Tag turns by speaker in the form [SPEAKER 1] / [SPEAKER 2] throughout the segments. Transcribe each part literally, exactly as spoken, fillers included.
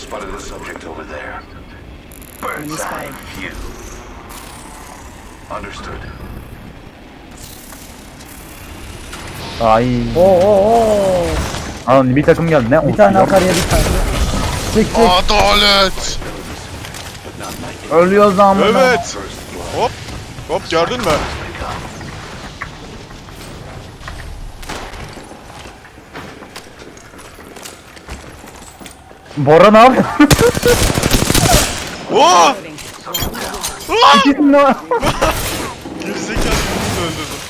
[SPEAKER 1] spotted a subject over there. Bird's eye view. Understood.
[SPEAKER 2] Ay.
[SPEAKER 3] Oo oo oo.
[SPEAKER 2] Alın bir takım geldi. Ne?
[SPEAKER 3] Bir tane akarya bir tane. Çık çık.
[SPEAKER 4] Adalet.
[SPEAKER 2] Ölüyoruz ama.
[SPEAKER 4] Evet. Hop. Hop gördün mü?
[SPEAKER 2] Bora ne yapıyor?
[SPEAKER 4] Oo!
[SPEAKER 2] İkisini de var.
[SPEAKER 4] Gerizekalı birini öldürdüm.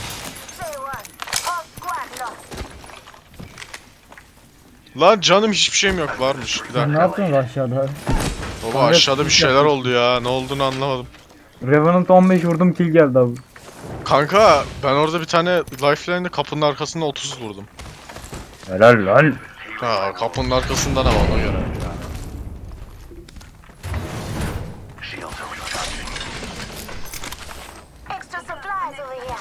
[SPEAKER 4] Lan canım hiçbir şeyim yok varmış. Bir
[SPEAKER 3] Sen ne
[SPEAKER 4] dakika.
[SPEAKER 3] yaptın aşağıda?
[SPEAKER 4] Baba aşağıda bir şeyler oldu ya. Ne olduğunu anlamadım.
[SPEAKER 2] Revenant on beş vurdum kill geldi abi.
[SPEAKER 4] Kanka ben orada bir tane lifeline'de kapının arkasında otuz vurdum.
[SPEAKER 2] Helal lan.
[SPEAKER 4] Ha kapının arkasından ama ona göre.
[SPEAKER 1] Shields are recharging.
[SPEAKER 5] Extra supplies over here.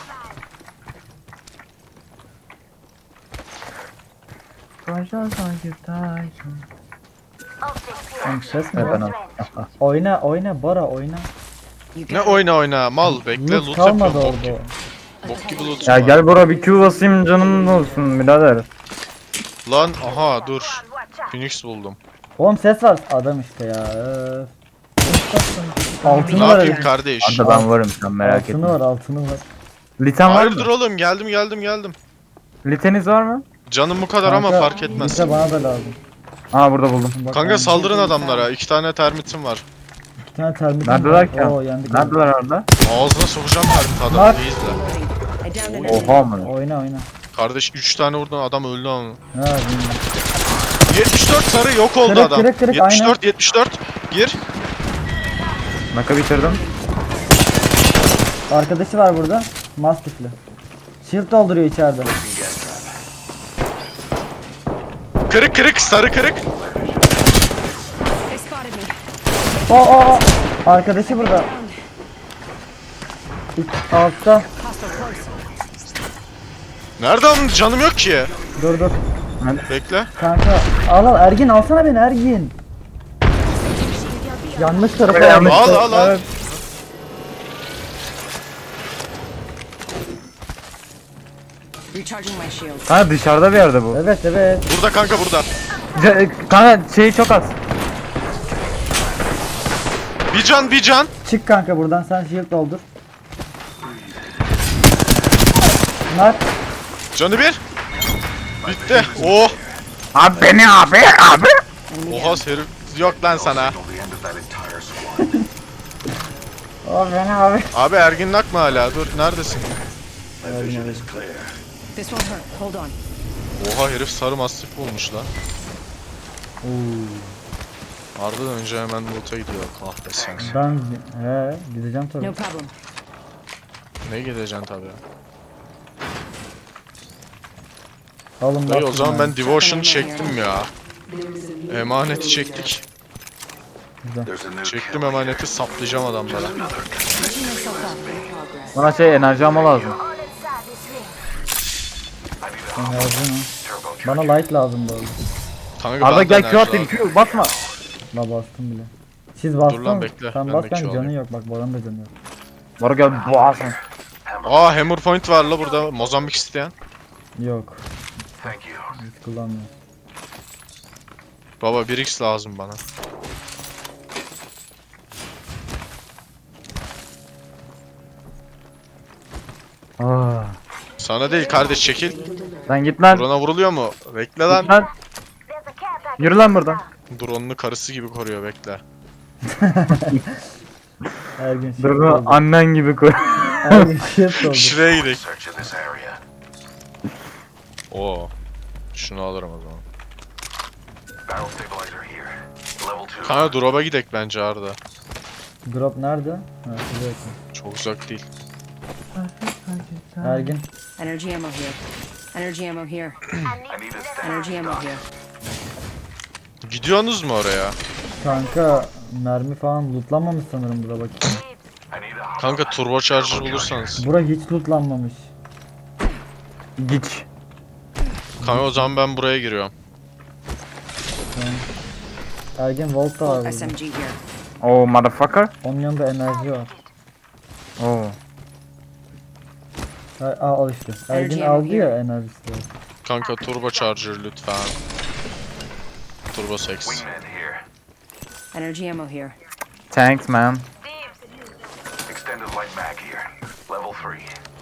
[SPEAKER 2] Taşlar sanki taşın.
[SPEAKER 5] Optics
[SPEAKER 3] Oğlum
[SPEAKER 5] here.
[SPEAKER 3] ses mi
[SPEAKER 2] Evet,
[SPEAKER 3] var?
[SPEAKER 2] ben al.
[SPEAKER 3] Oyna oyna Bora oyna.
[SPEAKER 4] Ne oyna oyna mal bekle
[SPEAKER 3] Loot
[SPEAKER 4] loot
[SPEAKER 3] kalmadı
[SPEAKER 4] yapıyorum. Bok,
[SPEAKER 3] orada.
[SPEAKER 4] gibi- bok gibi loot
[SPEAKER 2] Ya
[SPEAKER 4] var.
[SPEAKER 2] gel Bora bir Q basayım canım olsun birader.
[SPEAKER 4] Lan aha dur.
[SPEAKER 5] Watch out.
[SPEAKER 4] Phoenix buldum.
[SPEAKER 3] Oğlum ses var. Adam işte ya. öf.
[SPEAKER 4] Ne
[SPEAKER 3] Altını var
[SPEAKER 4] yapayım
[SPEAKER 3] herif.
[SPEAKER 4] kardeş?
[SPEAKER 2] Arda ben varım sen merak
[SPEAKER 3] Altını
[SPEAKER 2] etme.
[SPEAKER 3] var altını var.
[SPEAKER 2] Liten var
[SPEAKER 4] Hayırdır
[SPEAKER 2] mı?
[SPEAKER 4] oğlum geldim geldim geldim.
[SPEAKER 2] Liteniz var mı?
[SPEAKER 4] Canım bu kadar ama
[SPEAKER 3] Kanka,
[SPEAKER 4] fark etmez.
[SPEAKER 3] Lite bana da lazım.
[SPEAKER 2] Aa burada buldum.
[SPEAKER 3] Bak,
[SPEAKER 4] Kanka
[SPEAKER 3] ben-
[SPEAKER 4] saldırın adamlara. İki tane termitim var.
[SPEAKER 3] Bir tane termitim
[SPEAKER 2] Neredeler
[SPEAKER 3] var.
[SPEAKER 2] ki?
[SPEAKER 3] Oo yendik.
[SPEAKER 2] Neredeler Arda?
[SPEAKER 4] Ağzına sokacağım termit
[SPEAKER 3] Bak.
[SPEAKER 4] adamı. İyi izle.
[SPEAKER 6] I downed an enemy.
[SPEAKER 2] Oha mı?
[SPEAKER 3] Oyna oyna.
[SPEAKER 4] Kardeş üç tane vurdun adam öldü ama.
[SPEAKER 3] Ha, bilmiyorum.
[SPEAKER 4] yetmiş dört sarı yok oldu
[SPEAKER 3] Kırık,
[SPEAKER 4] adam.
[SPEAKER 3] kırık, kırık,
[SPEAKER 4] yetmiş dört
[SPEAKER 3] aynen.
[SPEAKER 4] yetmiş dört gir.
[SPEAKER 2] Naka bitirdim.
[SPEAKER 3] Arkadaşı var burada. Mastifli. Shield dolduruyor içeride.
[SPEAKER 4] Kırık kırık sarı kırık.
[SPEAKER 6] They spotted me.
[SPEAKER 3] Oo oo oo. Arkadaşı burada. İlk- Altta.
[SPEAKER 6] Hostile close.
[SPEAKER 4] Nerede onun canım yok ki.
[SPEAKER 3] Dur dur.
[SPEAKER 4] Bekle.
[SPEAKER 3] Kanka al al Ergin alsana beni Ergin. Yanlış tarafa
[SPEAKER 2] Yanlış
[SPEAKER 3] yanlış
[SPEAKER 4] Al
[SPEAKER 3] tarafa.
[SPEAKER 4] al al.
[SPEAKER 3] Evet.
[SPEAKER 6] Recharging my shields.
[SPEAKER 2] Ha dışarıda bir yerde bu.
[SPEAKER 3] Evet evet.
[SPEAKER 4] Burada kanka burada.
[SPEAKER 2] Ce- Kanka şeyi çok az.
[SPEAKER 4] Bir can bir can.
[SPEAKER 3] Çık kanka buradan sen shield doldur. Nak.
[SPEAKER 4] Canı bir. Bitti. Oh.
[SPEAKER 2] Abi beni abi abi.
[SPEAKER 6] Enemy
[SPEAKER 4] Oha herif. Yok lan sana.
[SPEAKER 1] Signal the end of that entire squad.
[SPEAKER 3] O beni abi.
[SPEAKER 4] Abi Ergin Nak mı hala? Dur neredesin?
[SPEAKER 1] My vision is clear.
[SPEAKER 6] This won't hurt. Hold on.
[SPEAKER 4] Oha herif sarı mastif bulmuş lan. Arda'dan önce hemen loot'a gidiyor kahretsin.
[SPEAKER 3] Ben he gideceğim tabii.
[SPEAKER 6] No problem.
[SPEAKER 4] Ne gideceksin tabi.
[SPEAKER 3] Alın
[SPEAKER 4] Dayı o
[SPEAKER 3] bak
[SPEAKER 4] zaman
[SPEAKER 3] buradan.
[SPEAKER 4] ben Devotion çektim ya. Emaneti çektik.
[SPEAKER 1] There's a new
[SPEAKER 4] Çektim
[SPEAKER 1] kill
[SPEAKER 4] emaneti saplayacağım adamlara.
[SPEAKER 6] Patching myself up. In progress.
[SPEAKER 2] Bana şey enerji alma lazım.
[SPEAKER 5] All inside this ring.
[SPEAKER 3] Enerji mi?
[SPEAKER 1] turbo.
[SPEAKER 3] Bana light lazım bu arada.
[SPEAKER 4] Kanka
[SPEAKER 2] Arda
[SPEAKER 4] ben de
[SPEAKER 2] gel
[SPEAKER 4] enerji
[SPEAKER 2] Q atayım
[SPEAKER 4] lazım.
[SPEAKER 2] Q basma.
[SPEAKER 3] La bastım bile. Siz bastın
[SPEAKER 4] lan
[SPEAKER 3] mı?
[SPEAKER 4] bekle,
[SPEAKER 3] Sen
[SPEAKER 4] ben
[SPEAKER 3] bas
[SPEAKER 4] de
[SPEAKER 3] ben
[SPEAKER 4] Q
[SPEAKER 3] canı
[SPEAKER 4] alayım.
[SPEAKER 3] yok bak Boran da canı yok.
[SPEAKER 2] Bora gel boğazın.
[SPEAKER 4] Aa Hammer Point var la burada. Mozambik isteyen.
[SPEAKER 3] Yok
[SPEAKER 1] Thank you.
[SPEAKER 3] hiç kullanmıyorum.
[SPEAKER 4] Baba bir x lazım bana.
[SPEAKER 2] Aa,
[SPEAKER 4] Sana değil kardeş çekil.
[SPEAKER 2] sen git lan.
[SPEAKER 4] Drone'a vuruluyor mu? Bekle lan.
[SPEAKER 2] Git lan.
[SPEAKER 5] There's a care package.
[SPEAKER 2] Yürü lan buradan.
[SPEAKER 4] Drone'unu karısı gibi koruyor bekle.
[SPEAKER 3] Her gün shield
[SPEAKER 2] Dur
[SPEAKER 3] doldur.
[SPEAKER 2] annen gibi koy.
[SPEAKER 3] Her gün shield doldur.
[SPEAKER 4] Şuraya gidelim.
[SPEAKER 1] Search in this area.
[SPEAKER 4] Oo. Şunu alırım o zaman.
[SPEAKER 1] Barrel stabilizer here. Level two.
[SPEAKER 4] Kanka drop'a gidek bence Arda.
[SPEAKER 3] Drop nerede? Ha şuraya yakın.
[SPEAKER 4] Çok uzak değil.
[SPEAKER 3] Ergin.
[SPEAKER 6] Energy ammo here. Energy ammo here.
[SPEAKER 5] I need
[SPEAKER 1] I need a stand.
[SPEAKER 6] Energy ammo here.
[SPEAKER 4] Gidiyorsunuz mu oraya?
[SPEAKER 3] Kanka mermi falan lootlanmamış sanırım bura bakayım.
[SPEAKER 1] I need a
[SPEAKER 4] Kanka turbo charger bulursanız.
[SPEAKER 3] Bura hiç lootlanmamış.
[SPEAKER 2] Git.
[SPEAKER 4] Kanka o zaman ben buraya giriyorum.
[SPEAKER 3] Ergin Volt da var burada.
[SPEAKER 6] S M G here.
[SPEAKER 2] Oh motherfucker.
[SPEAKER 3] Onun yanında enerji var.
[SPEAKER 2] Oh.
[SPEAKER 3] Ha, al al işte. Ergin
[SPEAKER 6] Enerji
[SPEAKER 3] aldı ya
[SPEAKER 6] here.
[SPEAKER 3] enerjisi. var.
[SPEAKER 4] Kanka turbo charger lütfen. Turbo seks.
[SPEAKER 1] Wingman here.
[SPEAKER 6] Energy ammo here.
[SPEAKER 2] Thanks man.
[SPEAKER 5] Thieves.
[SPEAKER 1] Extended light mag here. Level three.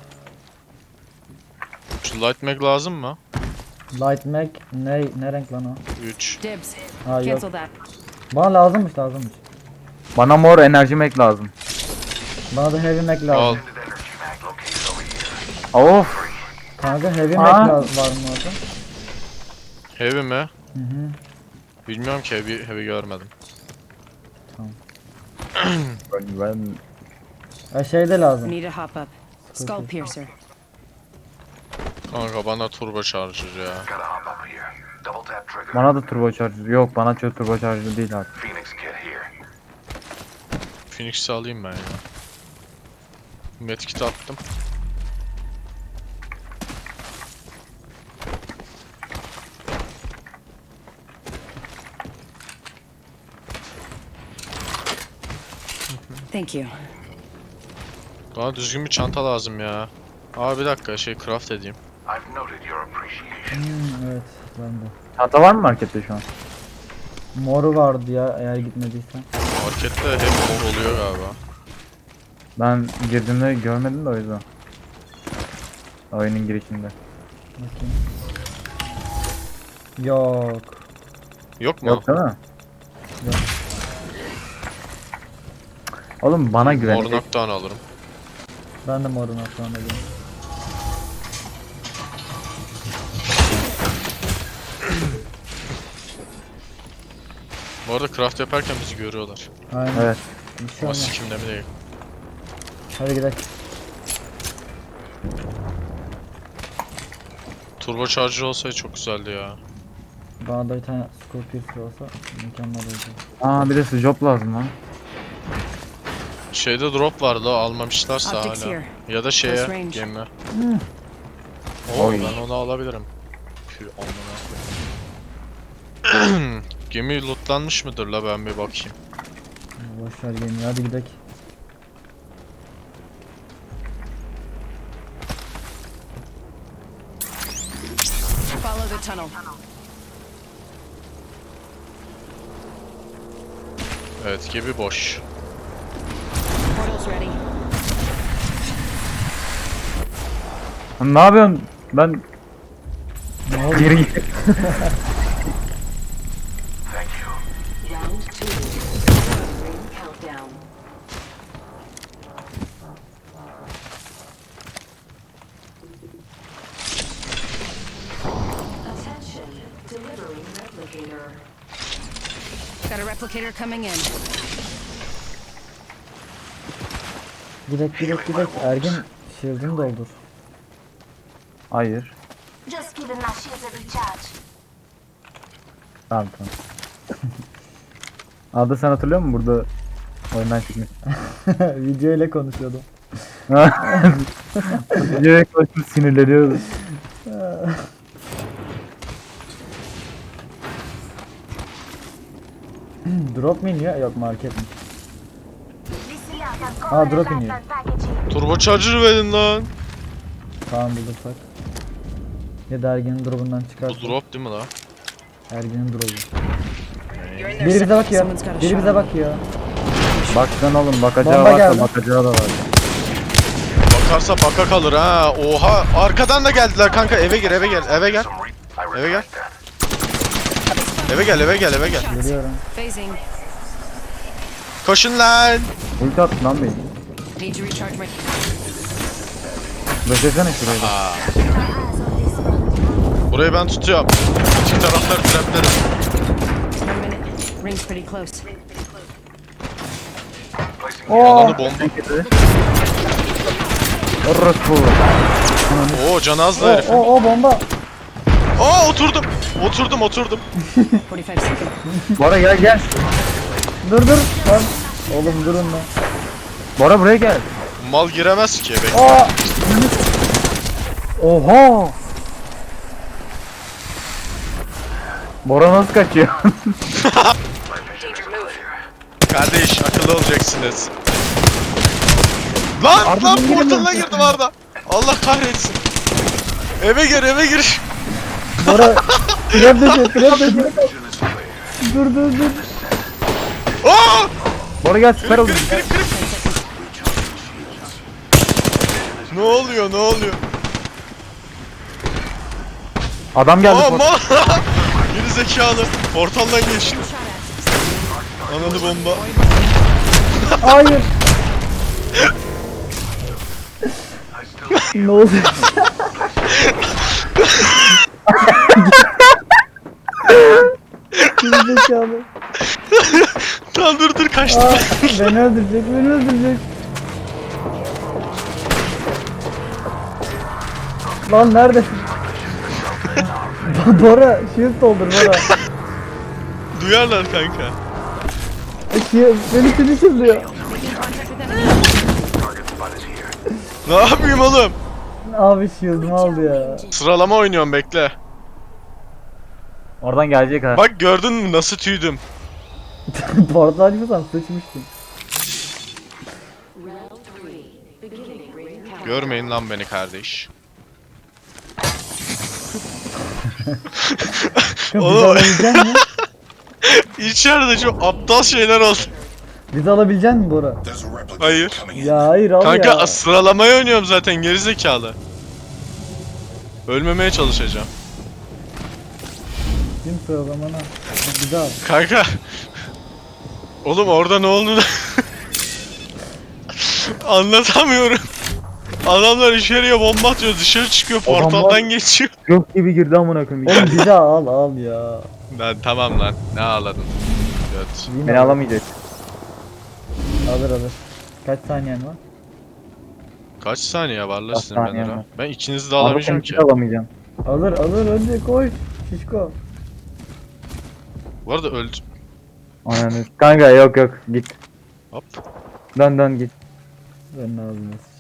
[SPEAKER 4] Şu light mag lazım mı?
[SPEAKER 3] Light Mag ne ne renk lan o?
[SPEAKER 4] üç.
[SPEAKER 6] Dibs.
[SPEAKER 3] Ha yok.
[SPEAKER 6] Cancel that.
[SPEAKER 3] Bana lazımmış lazımmış.
[SPEAKER 2] Bana mor enerji mek lazım.
[SPEAKER 3] Bana da Heavy Mag
[SPEAKER 4] Al.
[SPEAKER 3] lazım.
[SPEAKER 1] Extended energy mag located over here.
[SPEAKER 2] Of.
[SPEAKER 3] Kanka Heavy
[SPEAKER 2] Aa.
[SPEAKER 3] Mag la- var mı orada?
[SPEAKER 4] Heavy mi?
[SPEAKER 3] Hı hı.
[SPEAKER 4] Bilmiyorum ki heavy, heavy görmedim.
[SPEAKER 2] Ben
[SPEAKER 3] E şey de lazım.
[SPEAKER 6] Need a hop up. Skull piercer.
[SPEAKER 4] Kanka bana turbo charger ya.
[SPEAKER 1] Gotta hop up here. Double tap trigger.
[SPEAKER 2] bana da turbo charger yok. Bana çok turbo charger değil artık.
[SPEAKER 1] Phoenix kit here.
[SPEAKER 4] Phoenix'i alayım ben ya. Medkit attım.
[SPEAKER 6] Thank you.
[SPEAKER 4] Bana düzgün bir çanta lazım ya. Aa bir dakika şey craft edeyim.
[SPEAKER 1] I've noted your appreciation.
[SPEAKER 3] Hmm, evet ben de.
[SPEAKER 2] Çanta var mı markette şu an?
[SPEAKER 3] Moru vardı ya eğer gitmediysen.
[SPEAKER 4] Markette hep mor oluyor galiba.
[SPEAKER 2] Ben girdiğimde görmedim de o yüzden. Oyunun girişinde.
[SPEAKER 3] Bakayım. Yok.
[SPEAKER 4] Yok mu?
[SPEAKER 2] Yok değil mi?
[SPEAKER 3] Yok.
[SPEAKER 2] Oğlum bana güven.
[SPEAKER 4] Mor noktan alırım.
[SPEAKER 3] Ben de morun atlarına alıyorum.
[SPEAKER 4] Bu arada craft yaparken bizi görüyorlar.
[SPEAKER 3] Aynen.
[SPEAKER 2] Evet.
[SPEAKER 3] Bir şey
[SPEAKER 4] Ama
[SPEAKER 3] olmaz.
[SPEAKER 4] sikimde mi değil.
[SPEAKER 3] Hadi gidelim.
[SPEAKER 4] Turbo charger olsaydı çok güzeldi ya.
[SPEAKER 3] Bana da bir tane Scorpius olsa mükemmel olacak.
[SPEAKER 2] Aa bir de job lazım lan.
[SPEAKER 4] Şeyde drop vardı almamışlarsa
[SPEAKER 6] Optics
[SPEAKER 4] hala.
[SPEAKER 6] here.
[SPEAKER 4] Ya da şeye
[SPEAKER 6] Close range.
[SPEAKER 4] gemi. Oo
[SPEAKER 2] Oy.
[SPEAKER 4] ben onu alabilirim. Pü amına koyayım. Gemi lootlanmış mıdır la ben bir bakayım.
[SPEAKER 3] Boşver gemi hadi gidelim.
[SPEAKER 6] Follow the tunnel.
[SPEAKER 4] Evet gemi boş.
[SPEAKER 6] Portal's ready.
[SPEAKER 2] Lan ne yapıyorsun? Ben
[SPEAKER 3] Ne oldu?
[SPEAKER 2] geri git.
[SPEAKER 1] Thank you.
[SPEAKER 7] Round two. Ring countdown. Attention. Delivering replicator.
[SPEAKER 6] Got a replicator coming in.
[SPEAKER 3] Gidek gidek gidek. Ergin shield'ını doldur.
[SPEAKER 2] Hayır.
[SPEAKER 5] Just giving my shields a recharge.
[SPEAKER 2] Tamam tamam. Adı sen hatırlıyor musun burada oyundan çıkmış?
[SPEAKER 3] Video ile konuşuyordum.
[SPEAKER 2] Videoya koşup sinirleniyordu.
[SPEAKER 3] Drop mu iniyor? Yok market mi?
[SPEAKER 5] Listen up, I'm
[SPEAKER 3] Ah,
[SPEAKER 5] calling
[SPEAKER 3] drop
[SPEAKER 5] a
[SPEAKER 3] in
[SPEAKER 5] lifeline package here.
[SPEAKER 4] Turbo charger verin lan.
[SPEAKER 3] Tamam bulursak. Ya da Ergin'in drop'undan
[SPEAKER 4] Bu
[SPEAKER 3] çıkarsak.
[SPEAKER 4] drop değil mi la?
[SPEAKER 3] Ergin'in drop'u.
[SPEAKER 6] You're in there.
[SPEAKER 3] Biri bize
[SPEAKER 6] Someone-
[SPEAKER 3] bakıyor.
[SPEAKER 6] Someone's got a
[SPEAKER 3] Biri
[SPEAKER 6] shot
[SPEAKER 3] bize
[SPEAKER 6] on me.
[SPEAKER 3] bakıyor.
[SPEAKER 2] Bak sen oğlum bakacağı
[SPEAKER 3] Bomba
[SPEAKER 2] varsa
[SPEAKER 3] geldi.
[SPEAKER 2] bakacağı da var.
[SPEAKER 4] Bakarsa baka kalır ha. Oha arkadan da geldiler kanka eve gir eve gel eve gel.
[SPEAKER 1] Some re- I
[SPEAKER 4] Eve gel.
[SPEAKER 1] respect that.
[SPEAKER 4] Eve gel eve gel eve gel.
[SPEAKER 3] Geliyorum.
[SPEAKER 6] Phasing.
[SPEAKER 4] Koşun lan.
[SPEAKER 2] Ulti attı lan beni.
[SPEAKER 6] Need to recharge my.
[SPEAKER 2] Beklesene şurayı da.
[SPEAKER 4] Aa,
[SPEAKER 5] Eyes on this one.
[SPEAKER 4] burayı ben tutuyorum. İki taraflar traplerim.
[SPEAKER 6] One minute. Ring's pretty close.
[SPEAKER 1] Placing
[SPEAKER 4] Alanı bomba.
[SPEAKER 2] Orospu.
[SPEAKER 4] Oo can azdı
[SPEAKER 3] O
[SPEAKER 4] herifin.
[SPEAKER 3] o o bomba.
[SPEAKER 4] Aa oturdum. Oturdum oturdum.
[SPEAKER 6] forty-five seconds.
[SPEAKER 2] Bora gel gel.
[SPEAKER 3] Dur dur. Lan. Oğlum durun lan.
[SPEAKER 2] Bora buraya gel.
[SPEAKER 4] Mal giremez ki eve.
[SPEAKER 3] Aa!
[SPEAKER 2] Oha. Bora nasıl kaçıyor?
[SPEAKER 1] my
[SPEAKER 4] Kardeş akıllı olacaksınız. Lan
[SPEAKER 2] Arda
[SPEAKER 4] lan
[SPEAKER 2] niye
[SPEAKER 4] portalına
[SPEAKER 2] giremiyorsun?
[SPEAKER 4] girdim Arda. Allah kahretsin. Eve gir eve gir.
[SPEAKER 3] Bora trap dışı trap dışı.
[SPEAKER 1] Mission is clear.
[SPEAKER 3] Dur dur dur.
[SPEAKER 4] Aa!
[SPEAKER 2] Bora gel süper oldu.
[SPEAKER 4] Kırık kırık kırık. Ne oluyor ne oluyor?
[SPEAKER 2] Adam geldi.
[SPEAKER 4] Aa
[SPEAKER 2] port-
[SPEAKER 4] mal. Geri zekalı. Portaldan geçti. Ananı bomba.
[SPEAKER 3] Hayır. Ne oldu? Gerizekalı.
[SPEAKER 4] Tamam dur dur kaçtı.
[SPEAKER 3] Aa, beni öldürecek, beni öldürecek. Lan neredesin? Bora, shield doldur Bora.
[SPEAKER 4] Duyarlar kanka.
[SPEAKER 3] Shield, beni finisherlıyor.
[SPEAKER 1] Target spot is here.
[SPEAKER 4] Ne yapayım oğlum?
[SPEAKER 3] Abi shield'ımı aldı ya.
[SPEAKER 4] Sıralama oynuyorum bekle.
[SPEAKER 2] Oradan gelecek ha.
[SPEAKER 4] Bak gördün mü nasıl tüydüm?
[SPEAKER 3] Portal açmasam sıçmıştım.
[SPEAKER 7] Round three. Beginning ring countdown.
[SPEAKER 4] Görmeyin lan beni kardeş.
[SPEAKER 3] Bizi
[SPEAKER 4] Oğlum.
[SPEAKER 3] alabilecek misin?
[SPEAKER 4] İçeride çok aptal şeyler oldu.
[SPEAKER 3] Bizi alabilecek misin Bora?
[SPEAKER 4] Hayır.
[SPEAKER 3] Ya hayır al
[SPEAKER 4] Kanka
[SPEAKER 3] ya.
[SPEAKER 4] sıralamayı oynuyorum zaten gerizekalı. Ölmemeye çalışacağım.
[SPEAKER 3] Kim sıralamana? Bizi al.
[SPEAKER 4] Kanka. Oğlum orada ne oldu da anlatamıyorum. Adamlar içeriye bomba atıyor, dışarı çıkıyor,
[SPEAKER 2] Adamlar-
[SPEAKER 4] portaldan geçiyor.
[SPEAKER 2] Yok gibi girdi amına koyayım.
[SPEAKER 3] Oğlum bizi al al ya.
[SPEAKER 4] Lan tamam lan, ne ağladın? Göt.
[SPEAKER 3] Yine
[SPEAKER 2] Beni alamayacak.
[SPEAKER 3] alır alır. Kaç saniyen var?
[SPEAKER 4] Kaç saniye var la
[SPEAKER 2] Kaç
[SPEAKER 4] sizin
[SPEAKER 2] saniye
[SPEAKER 4] benden?
[SPEAKER 2] var?
[SPEAKER 4] Ben ikinizi de alamayacağım ki.
[SPEAKER 2] alamayacağım.
[SPEAKER 3] Alır alır önce koy. Şişko.
[SPEAKER 4] Bu arada öldü.
[SPEAKER 2] Ananı. Kanka yok yok git.
[SPEAKER 4] Hop.
[SPEAKER 2] Dön dön git.
[SPEAKER 3] Ben ağzına